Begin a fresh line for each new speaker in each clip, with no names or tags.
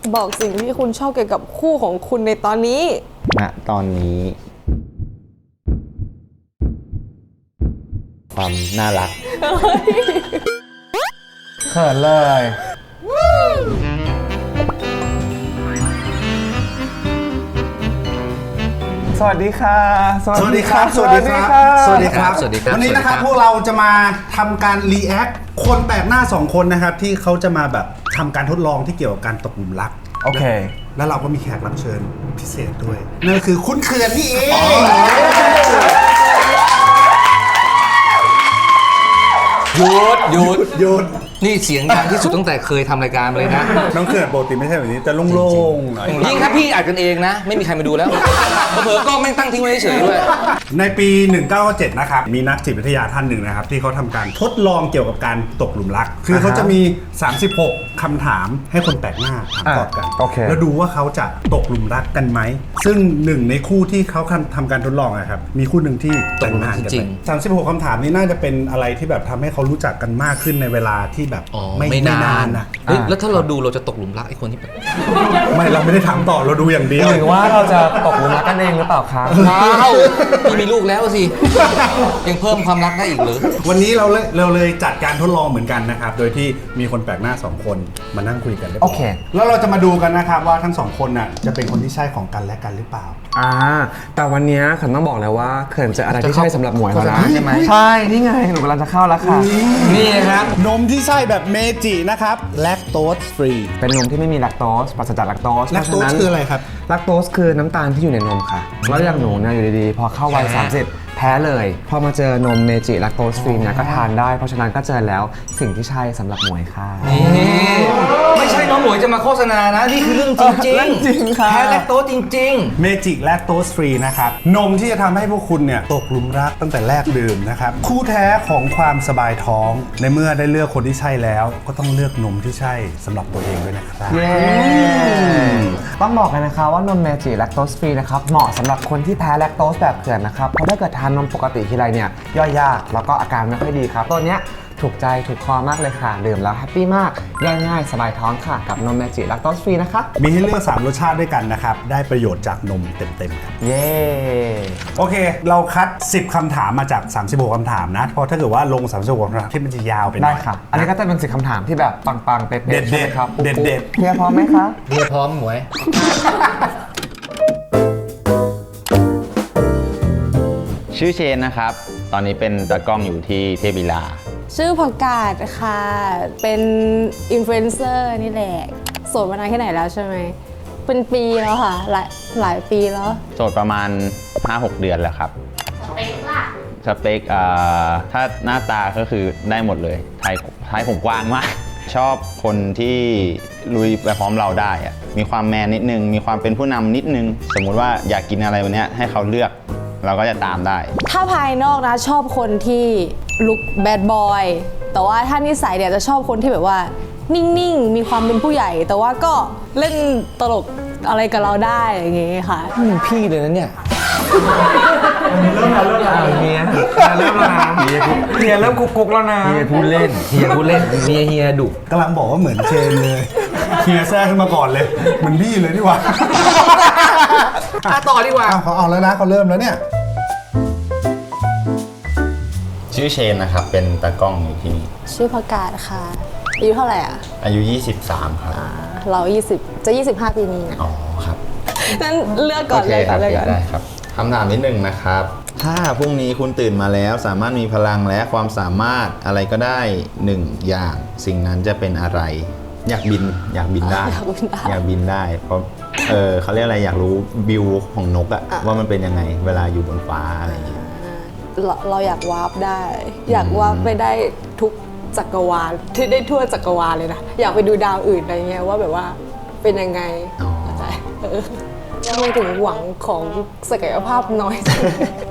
บอกสิ่งที่คุณชอบเกี่ยวกับคู่ของคุณในตอนนี้
ณตอนนี้ความน่ารัก
เขินเลยสวัสดีค่ะ
สวัสดีครับสวัสดีครับสวัสดีครับวันนี้นะครับพวกเราจะมาทำการรีแอคคนแปลกหน้า2คนนะครับที่เขาจะมาแบบทำการทดลองที่เกี่ยวกับการตกหลุมรัก
โอเค
แล้วเราก็มีแขกรับเชิญพิเศษด้วยนั่นคือคุณเขื่อนนี่เอง
หยุดนี่เสียงดังที่สุดตั้งแต่เคยทำรายการมาเลยนะ
น้องเขื่อนปกติไม่ใช่แบบนี้จะโล่งๆหน่อย
ยิ่งถ้าพี่อัดกันเองนะไม่มีใครมาดูแล้วเผลอๆก็ไม่ตั้งทิ้งไว้เฉยๆด้วย
ในปี 1997 นะครับมีนักจิตวิทยาท่านหนึ่งนะครับที่เขาทำการทดลองเกี่ยวกับการตกหลุมรักคือเขาจะมี36คำถามให้คนแปลกหน้าถามตอบกันแล้วดูว่าเขาจะตกหลุมรักกันไหมซึ่งหนึ่งในคู่ที่เขาทำการทดลองนะครับมีคู่หนึ่งที่แต่งงานกันไป36คำถามนี้น่าจะเป็นอะไรที่แบบทำให้เขารู้จักกันมากขึ้นในเวลาที่แบบไม่นานนะ
แล้วถ้าเราดูเราจะตกหลุมรักไอ้คนที่แบบ
ไม่เราไม่ได้ถามต่อเราดูอย่างเดียว
หรือว่าเราจะตกหลุมรักกันเองหรือเปล่าครับ
พี่มีลูกแล้วสิยังเพิ่มความรักได้อีกหรือ
วันนี้เราเลยจัดการทดลองเหมือนกันนะครับโดยที่มีคนแปลกหน้า2คนมานั่งคุยกัน
โอเค
แล้วเราจะมาดูกันนะครับว่าทั้ง2คนน่ะจะเป็นคนที่ใช่ของกันและกันหรือเปล่า
แต่วันนี้เขินต้องบอกเลยว่าเขินเจออะไรที่ใช่สำหรับหมวยแล้วนะใช่ไหมใช่นี่ไงหนูกำลังจะเข้าแล้วค่ะ
นี่ครับนมที่ใช่แบบเมจินะครับแลคโตสฟรี
เป็นนมที่ไม่มีแลคโตสปราศจากแลคโตส
แลคโตสคืออะไรครับ
แลคโตสคือน้ำตาลที่อยู่ในนมค่ะแล้วอย่างหนูเนี่ยอยู่ดีๆพอเข้าวัย30แพ้เลยพอมาเจอนมเมจิแลคโตสฟรีเนี่ยก็ทานได้เพราะฉะนั้นก็เจอแล้วสิ่งที่ใช่สำหรับหมวยค่ะ
ไม่ใช่น้องหมวยจะมาโฆษณานะนี่คือเรื่องจริง
ค่ะ
แพ้แลคโตสจริง
ๆเมจิแลคโตสฟรีนะครับนมที่จะทำให้พวกคุณเนี่ยตกหลุมรักตั้งแต่แรกดื่มนะครับคู่แท้ของความสบายท้องในเมื่อได้เลือกคนที่ใช่แล้วก็ต้องเลือกนมที่ใช่สำหรับตัวเองด้วยนะครับ
ต้องบอกกันนะคะว่านมเมจิแลคโตสฟรีนะครับเหมาะสำหรับคนที่แพ้แลคโตสแบบเขื่อนนะครับเพราะถ้าเกิดทานนมปกติทีไรเนี่ยย่อยยากแล้วก็อาการไม่ค่อยดีครับตัวเนี้ยถูกใจถูกคอมากเลยค่ะดื่มแล้วแฮปปี้มากย่อยง่ายสบายท้องค่ะกับนมเมจิแลคโตสฟรีนะคะ
มีให้เลือก3รสชาติด้วยกันนะครับได้ประโยชน์จากนมเต็มๆครับ
เย้
โอเคเราคัด10คำถามมาจาก36คำถามนะเพราะถ้าเกิดว่าลง36คำถามที่มันจะยาวไป
ได้ค่ะอันนี้ก็จะเป็น10คำถามที่แบบปังๆเป๊ะๆ
เด็ดๆครับเด็ด
ๆเฮียพร้อมไหมคะ
เฮียพร้อมหมวย
ชื่อเชนนะครับตอนนี้เป็นตากล้องอยู่ที่เทพวิลา
ชื่อผักกาดค่ะเป็นอินฟลูเอนเซอร์นี่แหละโสดมานานแค่ไหนแล้วใช่ไหมเป็นปีแล้วค่ะหลายปีแล้ว
โสดประมาณ 5-6 เดือนแล้วครับสเปคล่ะสเปคถ้าหน้าตาก็คือได้หมดเลยไทยผมกว้างมากชอบคนที่ลุยไปพร้อมเราได้อะมีความแมนนิดนึงมีความเป็นผู้นำนิดนึงสมมุติว่าอยากกินอะไรวันนี้ให้เขาเลือกเราก็จะตามได้
ถ้าภายนอกนะชอบคนที่ลุคแบดบอยแต่ว่าถ้านิสัยเนี่ยจะชอบคนที่แบบว่านิ่งๆมีความเป็นผู้ใหญ่แต่ว่าก็เล่นตลกอะไรกับเราได้อย่างเงี้ยค่ะ
มึงพี่เลยนะเนี่ย
เริ่มแล้วเฮียเริ่มแล้วนะเฮียเริ่มกุ๊กแล้วนะ
เฮียพูดเล่นเฮียดุ
กำลังบอกว่าเหมือนเชนเลยเฮียแทรกขึ้นมาก่อนเลยเหมือนพี่เลยดีกว่า
ต่อดีกว่า
เขาเอาแล้วนะเขาเริ่มแล้วเนี่ย
ชื่อเชนนะครับเป็นตากล้องอยู่ที่นี่
ชื่อผักกาดค่ะอายุเท่าไหร่อ่ะ
อายุ23ครับ
เรา20จะ25ปีนี้นะ
อ๋อครับ
งั้นเลือกก่อนเลยค่ะ
ได้ครับคำถามนิดนึงนะครับถ้าพรุ่งนี้คุณตื่นมาแล้วสามารถมีพลังและความสามารถอะไรก็ได้1อย่างสิ่งนั้นจะเป็นอะไรอยากบินได้อยากบินได้เพราะเขาเรียกอะไรอยากรู้วิวของนกอะว่ามันเป็นยังไงเวลาอยู่บนฟ้าอะไรอย่างเงี้ย
เราอยากวาร์ปได้อยากวาร์ปไปได้ทุกจักรวาลที่ได้ทั่วจักรวาลเลยนะอยากไปดูดาวอื่นอะไรเงี้ยว่าแบบว่าเป็นยังไงทำไมถึงหวังของศักยภาพน้อยแค่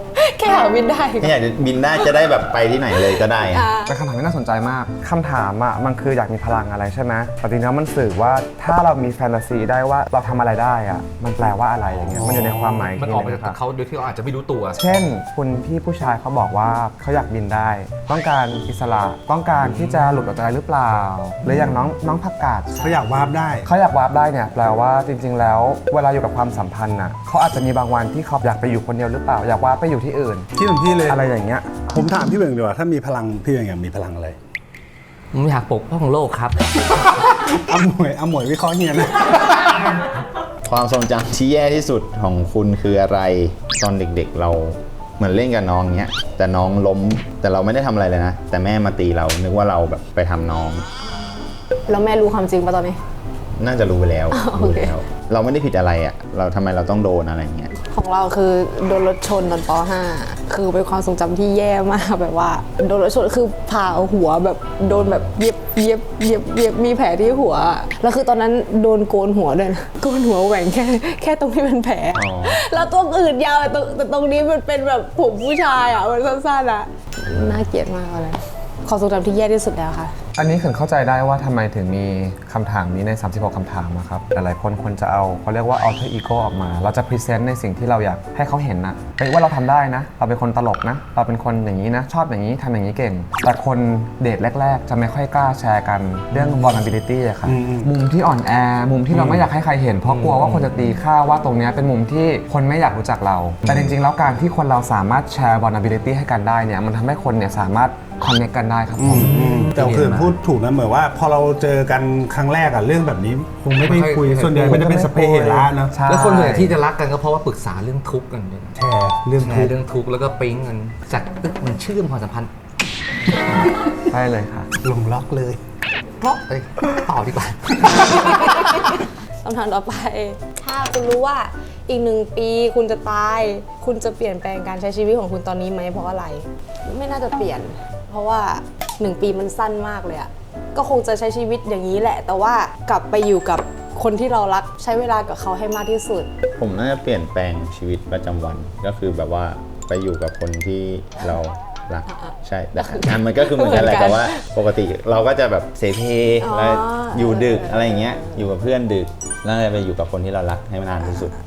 ค่อยากบินได้
แค่อยากจะบินได้จะได้แบบไปที่ไหนเลยก็ได้อะ
เป็นคำถามที่น่าสนใจมาก คำถามอ่ะมันคืออยากมีพลังอะไรใช่ไหมแต่จริงๆแล้วมันสื่อว่าถ้าเรามีแฟนตาซีได้ว่าเราทำอะไรได้อ่ะ มันแปลว่าอะไรอย่างเงี้ย มันอยู่ในความหมาย
มันออกมาจาก
ครับ
เขาโดยที่เราอาจจะไม่รู้ตัว
เช่นคุณพี่ผู้ชายเขาบอกว่าเขาอยากบินได้ ต้องการอิสระ ต้องการที่จะหลุดออกจากอะไรหรือเปล่า หรืออย่างน้องผักกาด
เขาอยากวาร์ปได้
เขาอยากวาร์ปได้เนี่ยแปลว่าจริง ๆ แล้วเวลาอยู่กับความสัมพันธ์น่ะเขาอาจจะมีบางวันที่เขาอยากไปอยู่คนเดียวหรือเปล่า อยากวาร์ปไปอยู่ที่อื่น
ที่เหมือนพี่เลย
อะไรอย่างเงี้ย
ผมถามพี่เบ่งดีกว่าถ้ามีพลังพี่เบ่งอยากมีพลังอะไร
ผมอยากปกป้องโลกครับ
อมวยวิเคราะห์เฮียนะ
ความทรงจำที่แย่ที่สุดของคุณคืออะไรตอนเด็กๆเราเหมือนเล่นกับน้องเงี้ยแต่น้องล้มแต่เราไม่ได้ทำอะไรเลยนะ แต่แม่มาตีเรานึกว่าเราแบบไปทำน้อง
แล้วแม่รู้ความจริงป่ะตอนนี้
น่าจะรู้ไปแล้ว
โอเค
รู้แล้ว เราไม่ได้ผิดอะไรอ่ะเราทำไมเราต้องโดนอะไรเงี้ย
ของเราคือโดนรถชนตอนป .5 คือเป็นความทรงจำที่แย่มากแบบว่าโดนรถชนคือผ่าหัวแบบโดนแบบเย็บมีแผลที่หัวแล้วคือตอนนั้นโดนโกนหัวด้วยนะโกนหัวแหว่งแค่ตรงที่เป็นแผล
อ๋อ
แล้วตัวอื่นยาวแต่ตรงนี้มันเป็นแบบผมผู้ชายอ่ะมันสั้นๆอ่ะน่าเกลียดมากอะไรความทรงจำที่แย่ที่สุดแล้วค่ะ
อันนี้คือเข้าใจได้ว่าทำไมถึงมีคำถามนี้ใน 36 คำถามนะครับหลายๆคนควรจะเอาเขาเรียกว่า alter ego ออกมา เราจะพรีเซนต์ในสิ่งที่เราอยากให้เขาเห็นนะเฮ้ยว่าเราทำได้นะ เราเป็นคนตลกนะ เราเป็นคนอย่างนี้นะ ชอบอย่างนี้ทำอย่างนี้เก่ง แต่คนเดทแรก ๆ จะไม่ค่อยกล้าแชร์กันเรื่อง vulnerability อะครับมุมที่อ่อนแอ มุมที่เราไม่อยากให้ใครเห็น เพราะกลัวว่าคนจะตีค่าว่าตรงเนี้ยเป็นมุมที่คนไม่อยากรู้จักเรา แต่จริงๆแล้วการที่คนเราสามารถแชร์ vulnerability ให้กันได้เนี่ยมันทำให้คนเนี่ยสามารถคอนเนคกันได้ครับผม
แต่คือพูดถูกนะเหมือนว่าพอเราเจอกันครั้งแรกอะเรื่องแบบนี้คงไม่ได้คุย
ไม่ค่อย
ส่วนใหญ่มันจะเป็นสเปรย์เหระนะ
ใช่
แล้วคนส่วนใหญ่ที่จะรักกันก็เพราะว่าปรึกษาเรื่องทุกข์กันเนี่ย
แชร์เรื่อง
แช
ทุก
ร์
ข์
เรื่องทุกข์แล้วก็ปิ๊งกันจากตึกมันเชื่อมความสัมพันธ์
ใช่เลยค่ะ
ลงล็อกเลย
เพราะเอ้ยต่อดีกว่า
คำถามต่อไป ถ้าคุณรู้ว่าอีก1 ปีคุณจะตาย คุณจะเปลี่ยนแปลงการใช้ชีวิตของคุณตอนนี้ไหมเพราะอะไร ไม่น่าจะเปลี่ยน เพราะว่า1 ปีมันสั้นมากเลยอะก็คงจะใช้ชีวิตอย่างนี้แหละ แต่ว่ากลับไปอยู่กับคนที่เรารักใช้เวลากับเขาให้มากที่สุด
ผมน่าจะเปลี่ยนแปลงชีวิตประจำวันก็คือแบบว่าไปอยู่กับคนที่เรารักใช่แต่งานมันก็คือเหมือนกันแหละ
เหมือนกัน
แต่ว่าปกติเราก็จะแบบเสเพ
อ๋อ
แล้วอยู่ดึกอะไรอย่างเงี้ยอยู่กับเพื่อนดึกแล้วจะไปอยู่กับคนที่เรารักให้นานที่สุด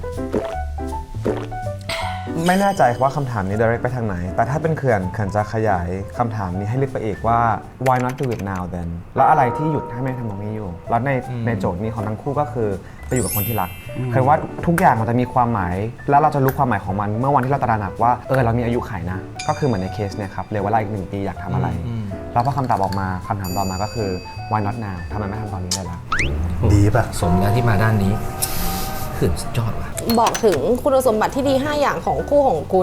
ไม่แน่ใจว่าคำถามนี้ direct ไปทางไหน แต่ถ้าเป็นเขื่อนจะขยายคำถามนี้ให้ลึกไปอีกว่า why not do it now then แล้วอะไรที่หยุดให้ไม่ทำตรงนี้อยู่ แล้วในโจทย์นี้ของทั้งคู่ก็คือไปอยู่กับคนที่รักคือว่าทุกอย่างมันจะมีความหมาย แล้วเราจะรู้ความหมายของมันเมื่อวันที่เราตระหนักว่าเรามีอายุขัยนะ ก็คือเหมือนในเคสเนี่ยครับเหลือเวลาอีก1 ปีอยากทำอะไร แล้วพอคำตอบออกมาคำถามต่อมาก็คือ why not now ทำไมไม่ทำตอนนี้ได้ล่ะ
ดีป่ะ
สมแล้วที่มาด้านนี้ขึ้นสุดยอดว่ะ
บอกถึงคุณสมบัติที่ดี 5 อย่างของคู่ของคุณ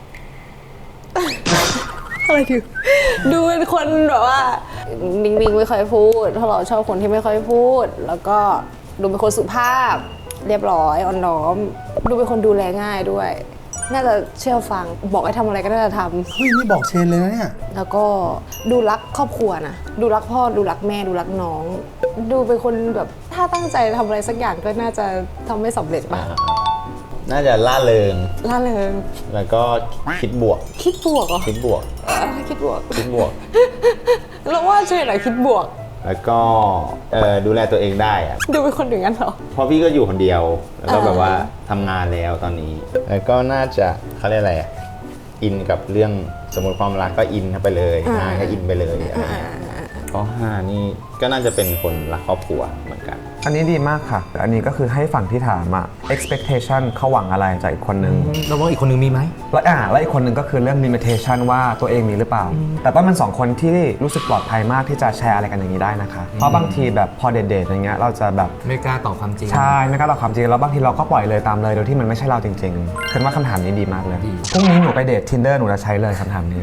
อะไรถึงดูเป็นคนแบบว่านิ่งๆไม่ค่อยพูดเพราะเราชอบคนที่ไม่ค่อยพูด แล้วก็ดูเป็นคนสุภาพ เรียบร้อยอ่อนน้อม ดูเป็นคนดูแลง่ายด้วย น่าจะเชื่อฟังบอกให้ทำอะไรก็น่าจะทำ
เฮ้ยนี่บอกเชนเลยนะเนี่ย
แล้วก็ดูรักครอบครัวนะดูรักพ่อดูรักแม่ดูรักน้อง ดูเป็นคนแบบถ้าตั้งใจทำอะไรสักอย่างก็น่าจะทำไม่สำเร็จป่ะ
น่าจะล่าเริง
ล่าเริง
แล้วก็คิดบวก
คิดบวกเหรอ
คิดบวก
คิดบวก
คิดบวก
เราว่าช่วยหน่อยคิดบวก
แล้วก็ดูแลตัวเองได้อะ
ดูเป็นคนอย่างนั้นเหรอ
เพราะพี่ก็อยู่คนเดียว แล้วก็แบบว่าทำงานแล้วตอนนี้ แล้วก็น่าจะเขาเรียกอะไรอะอินกับเรื่องสมมติความรักก็อินเข้าไปเลยงานก็อินไปเลยอะไรเงี้ยข้อ5นี่ก็น่าจะเป็นคนรักครอบครัวเหมือนกัน
อันนี้ดีมากค่ะ อันนี้ก็คือให้ฝั่งที่ถามอะ expectation เขาหวังอะไรจากอีกคนนึง
เราว่าอีกคนนึงมีไหม
และอีกคนหนึ่งก็คือเรื่อง limitation ว่าตัวเองมีหรือเปล่า แต่ต้องเป็น2 คนที่รู้สึกปลอดภัยมากที่จะแชร์อะไรกันอย่างนี้ได้นะคะ เพราะบางทีแบบพอเดทๆอย่างเงี้ยเราจะแบบ
ไม่กล้าตอบความจริง
ใช่ไม่กล้าตอบความจริงแล้วบางทีเราก็ปล่อยเลยตามเลยโดยที่มันไม่ใช่เราจริงๆคือว่าคำถามนี้ดีมากเลย
ดี
พรุ่งนี้หนูไปเดท Tinder หนูจะใช้เลยคำถามนี้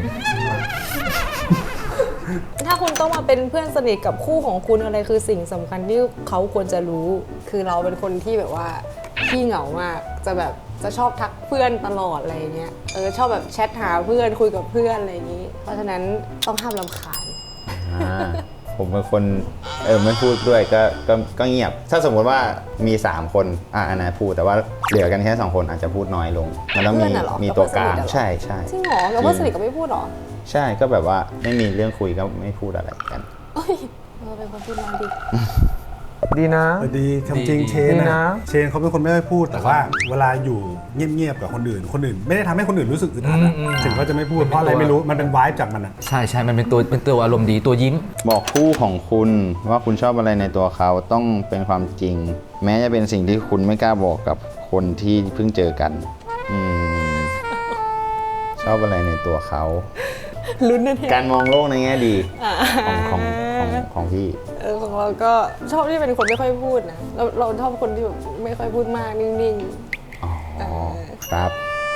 ถ้าคุณต้องมาเป็นเพื่อนสนิทกับคู่ของคุณอะไรคือสิ่งสำคัญที่เขาควรจะรู้ คือเราเป็นคนที่แบบว่าขี้เหงามากจะแบบจะชอบทักเพื่อนตลอดอะไรเงี้ยชอบแบบแชทหาเพื่อนคุยกับเพื่อนอะไรอย่างนี้ เพราะฉะนั้นต้องห้ามรำคาญ
อ่าผมเป็นคนไม่พูดด้วยก็เงียบ ถ้าสมมติว่ามี 3 คนอันนั้นพูดแต่ว่าเหลือกันแค่2 คนอาจจะพูดน้อยลงมันต้องมีตัวกลางใช่
จริงเหรอกับเพื่อนสนิทก็ไม่พูดเหรอ
ใช่ก็แบบว่าไม่มีเรื่องคุยก็ไม่พูดอะไรกัน
เอ้ยเราเป็นคนพูดน้อยดิ
ดีนะ
ดีจริงๆเชน
ดี
นะ
นะ
เชนเขาเป็นคนไม่ค่อยพูด แต่ว่าเวลาอยู่เงียบๆกับคนอื่นไม่ได้ทำให้คนอื่นรู้สึกอึดอัดอะถึงเขาจะไม่พูดเพราะอะไรไม่รู้มันเป็นวายจากมันอะ
ใช่มันเป็นตัวอารมณ์ดีตัวยิ้ม
บอกคู่ของคุณว่าคุณชอบอะไรในตัวเขาต้องเป็นความจริง แม้จะเป็นสิ่งที่คุณไม่กล้าบอกกับคนที่เพิ่งเจอกันชอบอะไรในตัวเขา
ลุ้นนะเนี่ย
การมองโลกในแง่ดีของพี่
ของเราก็ชอบที่เป็นคนไม่ค่อยพูดนะเราชอบคนที่แบบไม่ค่อยพูดมากนิ่ง
อ๋อครับ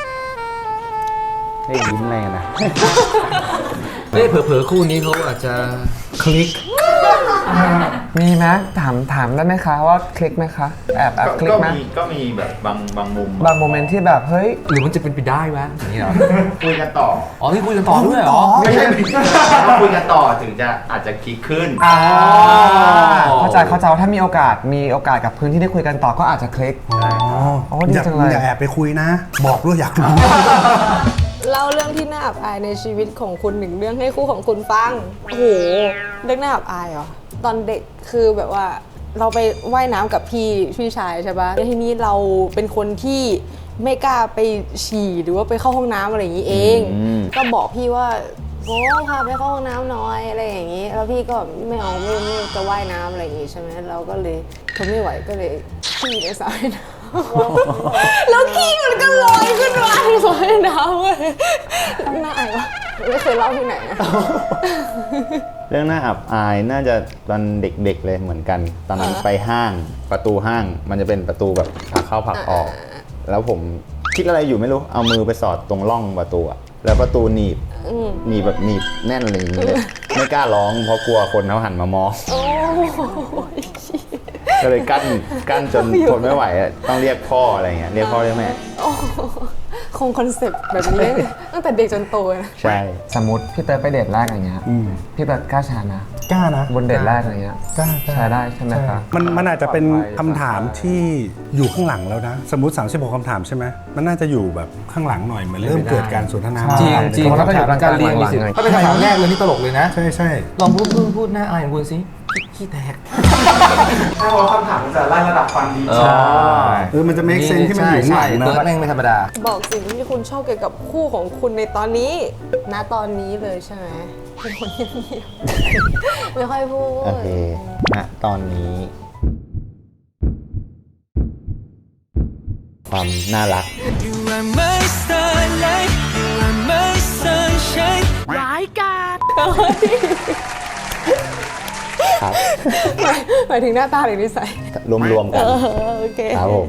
ได้ยิ้มอะไรกันนะ
เผลอๆคู่นี้เขาอาจจะคลิก
มีไหมถามได้ไหมคะว่าคลิกไหมคะแอบคลิกไหม
ก็มีแบบบางมุม
บางโมเมนต์ที่แบบเฮ้ย
หรือมันจะเป็นไปได้ไหมอย่างนี้เหรอ
คุยกันต่อ
อ๋อที่คุยกันต่อด้วยเหรอ
ไม่ใช่คุยกันต่อถึงจะอาจจะคลิกขึ้น
เข้าใจว่าถ้ามีโอกาสกับพื้นที่ได้คุยกันต่อก็อาจจะคลิก อ๋อดีจังเลย
อย่าแอบไปคุยนะ บอกด้วยอยากรู้
เล่าเรื่องที่น่าอับอายในชีวิตของคุณหนึ่งเรื่องให้คู่ของคุณฟัง โอ้โห เรื่องน่าอับอายเหรอ ตอนเด็กคือแบบว่าเราไปว่ายน้ำกับพี่ชายใช่ปะแล้วทีนี้เราเป็นคนที่ไม่กล้าไปฉี่หรือว่าไปเข้าห้องน้ำอะไรอย่างนี้เอง ก็บอกพี่ว่าโอ้พาไปเข้าห้องน้ำหน่อยอะไรอย่างนี้ แล้วพี่ก็ไม่เอาไม่จะว่ายน้ำอะไรอย่างนี้ใช่ไหมเราก็เลยทนไม่ไหวก็เลยขี้ในสระว่ายน้ำ แล้วขี้มันก็ลอยขึ้นมาในสระว่ายน้ำเว้ยน่าอายปะไม่เคยเล่าที่ไหนนะ
เรื่องน่าอับอายน่าจะตอนเด็กๆเลยเหมือนกัน ตอนนั้นไปห้างประตูห้างมันจะเป็นประตูแบบผลักเข้าผลักออก แล้วผมคิดอะไรอยู่ไม่รู้เอามือไปสอดตรงร่องประตูอะแล้วประตูหนีบแบบหนีบแน่นอะไรอย่างเงี้ยไม่กล้าร้องเพราะกลัวคนเขาหันมามอง
โอ้ย
ก็เลยกั้นจนทนไม่ไหวอะต้องเรียกพ่ออะไรเงี้ยเรียกพ่อเรียกแม่
คงคอนเซ็ปต์แบบนี้ตั้งแต่เด็กจนโตนะ
ใช่
สมมติพี่เติร์ดไปเดทแรกอย่างเงี้ยพี่เติร์ดกล้าชานะ
กล้านะ
บนเดทแรกอะไรเงี้ย
กล้า
ใช้ได้ใช่ไหมคะ
มันอาจจะเป็นคำถามที่อยู่ข้างหลังแล้วนะ สมมติ36คำถามใช่ไหมมันน่าจะอยู่แบบข้างหลังหน่อยเหมือนเริ่มเกิดการสนทนา
ใช่
จริง
เพราะเราก็อยู่
การเรียนมีสิทธิ์
หลังๆ
ถ้าเป็นคำถามแรกเลยนี่ตลกเลยนะ
ใช่
ลองพูดหน้าอายของคุณสิขี้แตก
ถ้าว่าคำถามมันจะไล่ระดับความดี
มันจะ make sense ที่มันอยู่ข้างหลัง
เติร์ด
นะ
แม่งไม่ธรรมดา
บอกสิ่งที่คุณชอบเกี่ยวกับคู่ของคุณในตอนนี้ณตอนนี้เลยใช่ไหมเป็นคนเงียบๆไม่ค่อยพูด
โอเคณตอนนี้ ความน่ารัก
You are my starlight You are my sunshine ร้ายกาจ
ครับ
หมายถึงหน้าตาหรือนิสัย
รวมๆกัน
โอเค
ครับผม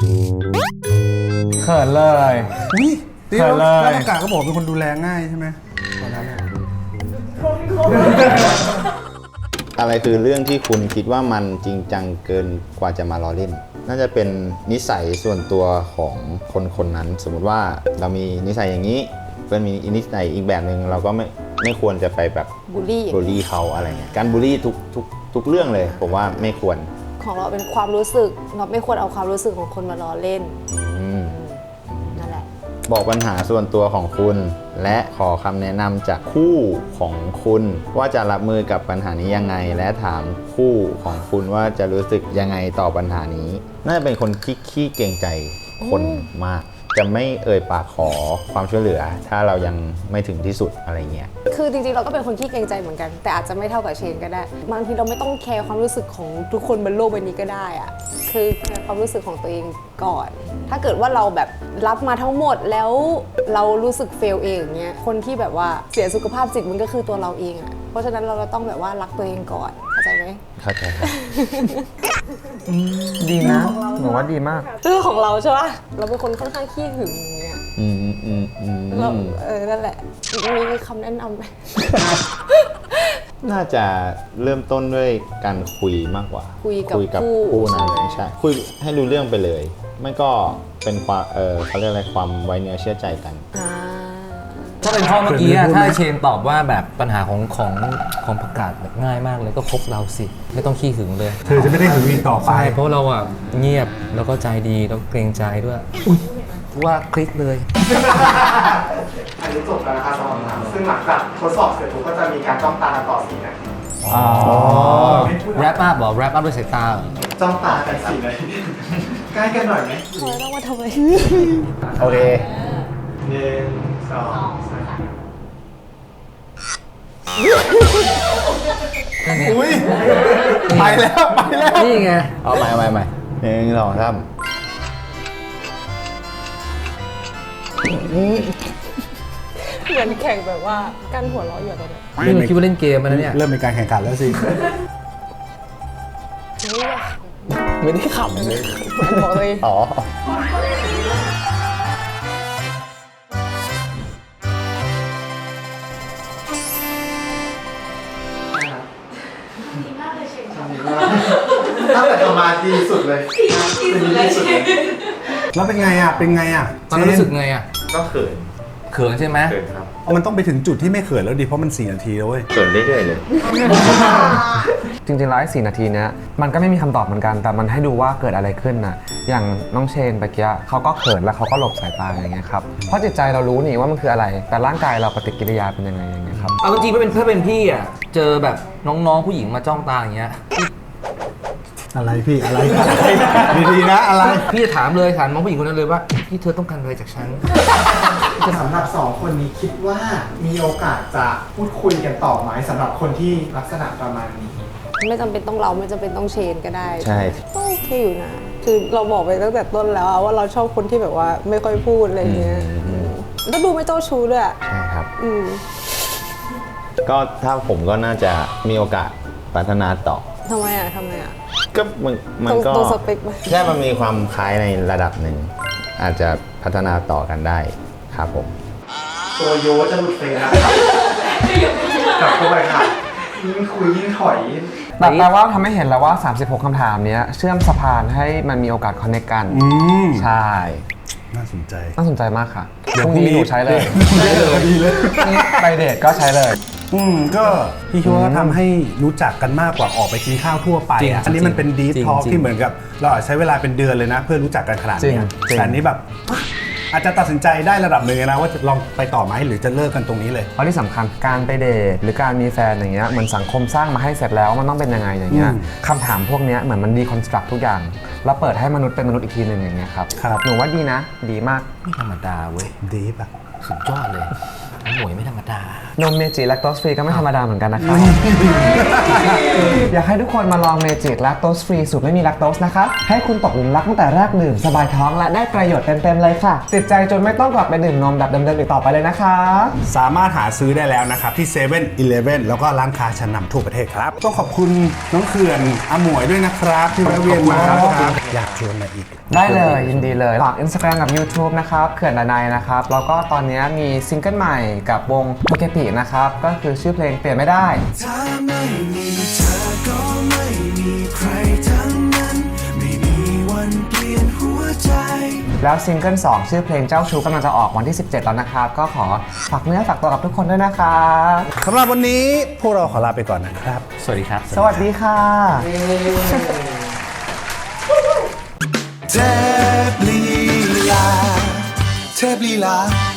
เขินเลย
อุ้ย
เขินเลย
แล้วอากาศก็บอกเป็นคนดูแลง่ายใช่ไหมตอนนั้นอะ
อะไรคือเรื่องที่คุณคิดว่ามันจริงจังเกินกว่าจะมาล้อเล่น น่าจะเป็นนิสัยส่วนตัวของคนนั้น สมมุติว่าเรามีนิสัยอย่างนี้เพื่อนมีนิสัยอีกแบบหนึ่งเราก็ไม่ควรจะไปแบบ
บูลลี่
บูลลี่เขาอะไรเงี้ยการบูลลี่ทุกเรื่องเลยผมว่าไม่ควร
ของเราเป็นความรู้สึกเราไม่ควรเอาความรู้สึกของคนมาล้อเล่น นั่นแหละ
บอกปัญหาส่วนตัวของคุณ และขอคำแนะนำจากคู่ของคุณ ว่าจะรับมือกับปัญหานี้ยังไง และถามคู่ของคุณว่าจะรู้สึกยังไงต่อปัญหานี้ น่าจะเป็นคนขี้เกรงใจคนมาก จะไม่เอ่ยปากขอความช่วยเหลือ ถ้าเรายังไม่ถึงที่สุดอะไรเงี้ย
คือจริงๆเราก็เป็นคนขี้เกรงใจเหมือนกัน แต่อาจจะไม่เท่ากับเชนก็ได้บางทีเราไม่ต้องแคร์ความรู้สึกของทุกคนบนโลกใบนี้ก็ได้อะคือแคร์ความรู้สึกของตัวเองก่อน ถ้าเกิดว่าเราแบบรับมาทั้งหมดแล้วเรารู้สึกเฟลเองอย่างเงี้ยคนที่แบบว่าเสียสุขภาพจิตมันก็คือตัวเราเองอะเพราะฉะนั้นเราต้องแบบว่ารักตัวเองก่อนเข้าใจไหม
เข้าใจครับ
ดีนะหนูว่าดีมาก
เรื่องของเราใช่ปะเราเป็นคนค่อนข้างขี้หึงอย่างเงี้ยเรานั่นแหละมีคำแนะนำไหม
น่าจะเริ่มต้นด้วยการคุยมากกว่า
คุยกับ
คู่นั้น
ใช่ไหม
ใช่คุยให้รู้เรื่องไปเลย ไม่ก็เป็นความเขาเรียกอะไรความไว้เนื้อเชื่อใจกัน
อ่า
ถ้าเป็นข้อเมื่อกี้อะถ้าเชนตอบว่าแบบปัญหาของประกาศแบบง่ายมากเลยก็คบเราสิไม่ต้องขี้หึงเลย
เธอจะไม่ได้หึงอีกต่อไป
ใช่เพราะเราอ่ะเงียบแล้วก็ใจดีแล้วเกรงใจด้วยอุ๊ยว่าคลิกเลย
อันนี้จบแล้วนะคะสำหรับคำถามซึ่งหลังจากทดสอบเสร็จปุ๊บก็จะมีการจ้องตากันต่อ4 นาที
แรปอัพเหรอแรปอัพด้วยสายตาเหรอ
จ้องตากัน4 นาทีใกล้กันหน่อยไหม
ทำไมต้องมาทำไม
โอเค
1 2
อุ้ย
ไปแล้วไปแล้ว
นี่ไง
เอาใหม่1 2 3
เหมือนแข่งแบบว่ากันหัวเราะอยู่ตรงนี้
นี่มันคิดว่าเล่นเกมมันนะเนี่ย
เริ่มเป็นการแข่งขันแล้วสิ
ไม่ได้ขำเลย
บอกเลย
อ๋อ
ตั้งแต่ทำมาดีสุดเลย
แล้วเป็นไงอ่ะ เป็นไงอ่ะ
ตอนนั้นรู้สึกไงอ่ะ
ก็เขิน
เขินใช่ไหม
ครับ
มันต้องไปถึงจุดที่ไม่เขินแล้วดิ เพราะมัน 4 นาทีแล้วเว้ย
เกิดเรื่อยๆเลย
จริงๆแล้วไอ้4 นาทีเนี้ยมันก็ไม่มีคำตอบเหมือนกัน แต่มันให้ดูว่าเกิดอะไรขึ้นนะอย่างน้องเชนเมื่อกี้เขาก็เขินแล้วเขาก็หลบสายตาอย่างเงี้ยครับเพราะจิตใจเรารู้นี่ว่ามันคืออะไร แต่ร่างกายเราปฏิกิริยาเป็นยังไงอย่างเงี้ยครับ
เอาจริงๆถ้าเป็นพี่อ่ะเจอแบบน้องๆผู้หญิงมาจ้องตาอย่างเงี้ย
อะไรพี่ อะไรดีๆนะ อะไร
พี่จะถามน้องผู้หญิงคนนั้นเลยว่าพี่เธอต้องการอะไรจากฉัน
สำหรับ2 คนนี้คิดว่ามีโอกาสจะพูดคุยกันต่อไหมสำหรับคนที่ลักษณะประมาณนี้
ไม่จำเป็นต้องเราไม่จำเป็นต้องเชนก็ได้
ใช่
ก็โอเคอยู่นะ คือเราบอกไปตั้งแต่ต้นแล้วอะว่าเราชอบคนที่แบบว่าไม่ค่อยพูดอะไรเงี้ยแล้วดูไม่เจ้าชู้ด้วยอะ
ใช่ครับ
อืม
ก็ถ้าผมก็น่าจะมีโอกาสพัฒนาต่อ
ทำไมอะทำไมอะ
ก็มันก็
ตรงสเปคไหม
แค่มันมีความคล้ายในระดับหนึ่ง อาจจะพัฒนาต่อกันได้ครับผม
ตัวโยจะหลุดเฟรมกลับเข้าไปค่ะ ยิ่งคุยยิ่งถอย
แต่แปลว่าทำให้เห็นแล้วว่า 36 คำถามเนี้ยเชื่อมสะพานให้มันมีโอกาสคอนเนคกัน
ม
ใช่
น่าสนใจ
น่าสนใจมากค่ะ
เดี๋ยว
พรุ่งนี้หนูใช้เลย
ดีเลย
ไปเดทก็ใช้เลย
ก็พี่คิดว่าทำให้รู้จักกันมากกว่าออกไปกินข้าวทั่วไป
จริง
อะอันนี้มันเป็นดี
จริง
ทอล์ก
จริง
ที่เหมือนกับ เราอาจใช้เวลาเป็นเดือนเลยนะ เพื่อรู้จักกันขนาด
จริง
เนี้ย
จริง
แต่อันนี้แบบอาจจะตัดสินใจได้ระดับหนึ่งนะว่าจะลองไปต่อไหมหรือจะเลิกกันตรงนี้เลย
เพราะที่สำคัญการไปเดทหรือการมีแฟนอย่างเงี้ยเหมือนสังคมสร้างมาให้เสร็จแล้วมันต้องเป็นยังไงอย่างเงี้ย
อืม
คำถามพวกเนี้ยเหมือนมันดีคอนสตรักทุกอย่าง แล้วเปิดให้มนุษย์เป็นมนุษย์อีกทีหนึ่งอย่างเงี้ยครับ
ครับ
หนูว่าดีนะ ดีมาก
ไม่ธรรมดาเว้ย
ดีปะ
สุดยอดเลยน้องหมวยไม่ธรรมดา
นมเมจิแลคโตสฟรีก็ไม่ธรรมดาเหมือนกันนะครับ อยากให้ทุกคนมาลองเมจิแลคโตสฟรีสูตรไม่มีแลคโตสนะคะให้คุณตกหลุมรักตั้งแต่แรกดื่มสบายท้องและได้ประโยชน์เต็มๆเลยค่ะ ติดใจจนไม่ต้องกลับไปดื่มนมแบบเดิมๆอีกต่อไปเลยนะคะ
สามารถหาซื้อได้แล้วนะครับ ที่7 e เ e ่ e อแล้วก็ร้านค้าชั้นนำทั่วประเทศครับ ต้องขอบคุณน้องเขื่อนอาหมวยด้วยนะครับ ที่แวะเวียนมาครับอยากชวนมาอีก
ได้เลยยินดีเลยฝาก Instagram กับ YouTube นะครับเขื่อนดนัยนะครับแล้วก็ตอนนี้มีซิงเกิลใหม่กับวงโทเกปินะครับก็คือชื่อเพลงเปลี่ยนไม่ได้
ถ้าไม่มีเธอก็ไม่มีใครทั้งนั้น ไม่มีวันเปลี่ยนหัวใจ
แล้วซิงเกิล2ชื่อเพลงเจ้าชู้กำลังจะออกวันที่ 17 แล้วนะครับก็ขอฝากเนื้อฝากตัวกับทุกคนด้วยนะครับ
สำหรับวันนี้พวกเราขอลาไปก่อนนะครับ
สวัสดีครับ
สวัสดีค่ะ
เทพลีลา